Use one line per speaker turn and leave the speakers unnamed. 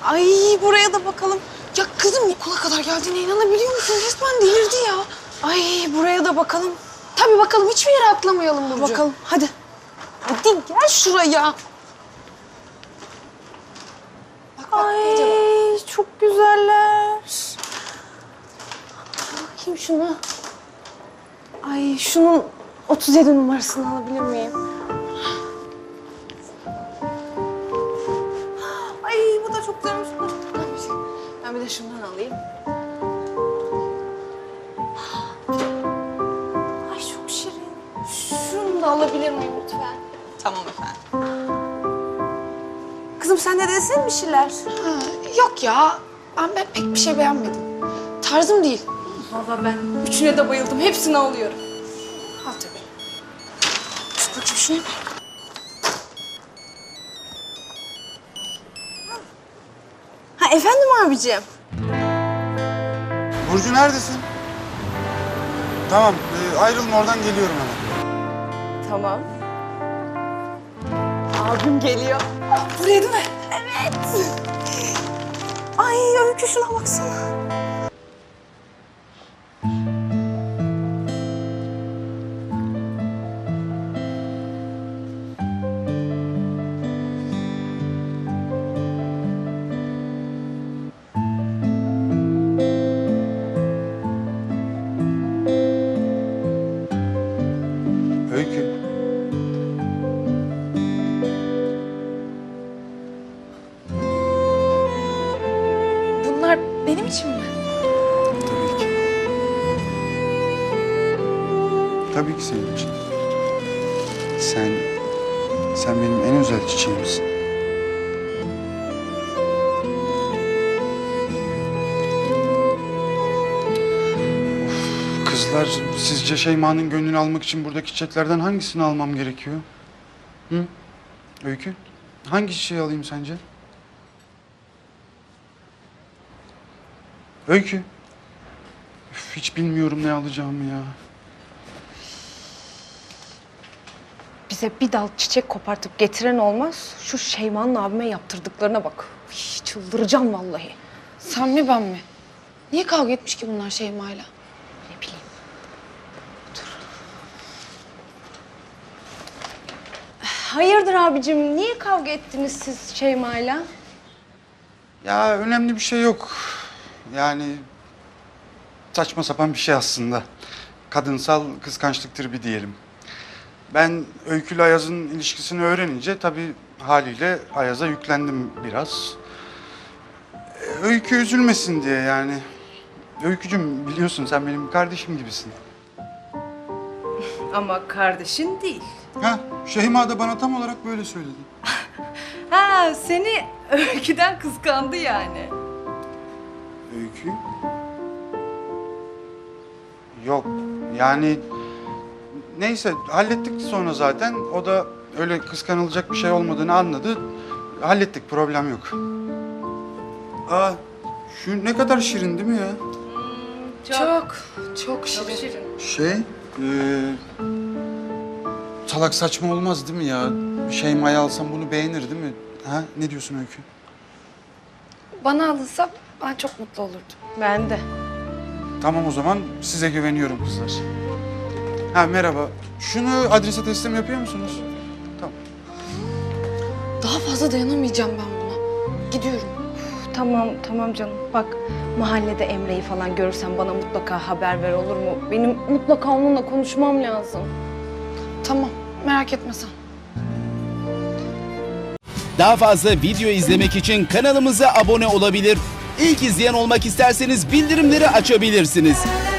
Ay buraya da bakalım. Ya kızım okula kadar geldiğine inanabiliyor musun? Resmen delirdi ya. Ay buraya da bakalım.
Tabii bakalım, hiçbir yere atlamayalım Burcu.
Bakalım hadi. Hadi gel şuraya. Ay çok güzeller. Bakayım şuna. Ay şunun 37 numarasını alabilir miyim? Ay bu da çok güzelmiş. Ben bir de şundan alayım. Ay çok şirin. Şunu da alabilir miyim lütfen? Tamam efendim. Kızım sen de desene bir şeyler.
Ha, yok ya, ben pek bir şey beğenmedim. Tarzım değil.
Vallahi ben üçüne de bayıldım. Hepsini alıyorum.
Al tabii. Şu bakayım şuna bak.
Ha efendim abicim.
Burcu neredesin? Tamam, ayrılma oradan geliyorum hemen.
Tamam. Abim geliyor.
Buraya değil mi?
Evet. Ay Öykü şuna baksana.
Öykü.
Bunlar benim için mi?
Tabii ki. Tabii ki senin için. Sen benim en özel çiçeğimsin. Kızlar, sizce Şeyma'nın gönlünü almak için buradaki çiçeklerden hangisini almam gerekiyor? Hı? Öykü, hangi çiçeği alayım sence? Öykü. Üf, hiç bilmiyorum ne alacağımı ya.
Bize bir dal çiçek kopartıp getiren olmaz. Şu Şeyma'nın abime yaptırdıklarına bak. Üy, çıldıracağım vallahi.
Sen mi ben mi? Niye kavga etmiş ki bunlar Şeyma'yla?
Ne bileyim. Hayırdır abicim? Niye kavga ettiniz siz Şeyma'yla?
Ya önemli bir şey yok. Yani saçma sapan bir şey aslında. Kadınsal kıskançlıktır bir diyelim. Ben Öykü ile Ayaz'ın ilişkisini öğrenince tabii haliyle Ayaz'a yüklendim biraz. Öykü üzülmesin diye yani. Öykücüm biliyorsun sen benim kardeşim gibisin.
Ama kardeşin değil.
Ha, Şeyma da bana tam olarak böyle söyledi.
Ha seni Öykü'den kıskandı yani.
Öykü? Yok yani neyse hallettik sonra zaten. O da öyle kıskanılacak bir şey olmadığını anladı. Hallettik, problem yok. Aa, şu ne kadar şirin değil mi ya?
Çok şirin.
Salak saçma olmaz değil mi ya? Şeyma'yı alsam bunu beğenir değil mi? Ha, ne diyorsun Öykü?
Bana alınsa ben çok mutlu olurdum.
Ben de.
Tamam o zaman size güveniyorum kızlar. Ha merhaba. Şunu adrese teslim yapıyor musunuz? Tamam.
Daha fazla dayanamayacağım ben buna. Gidiyorum.
Tamam canım. Bak mahallede Emre'yi falan görürsen bana mutlaka haber ver olur mu? Benim mutlaka onunla konuşmam lazım.
Tamam, merak etme sen.
Daha fazla video izlemek için kanalımıza abone olabilir. İlk izleyen olmak isterseniz bildirimleri açabilirsiniz.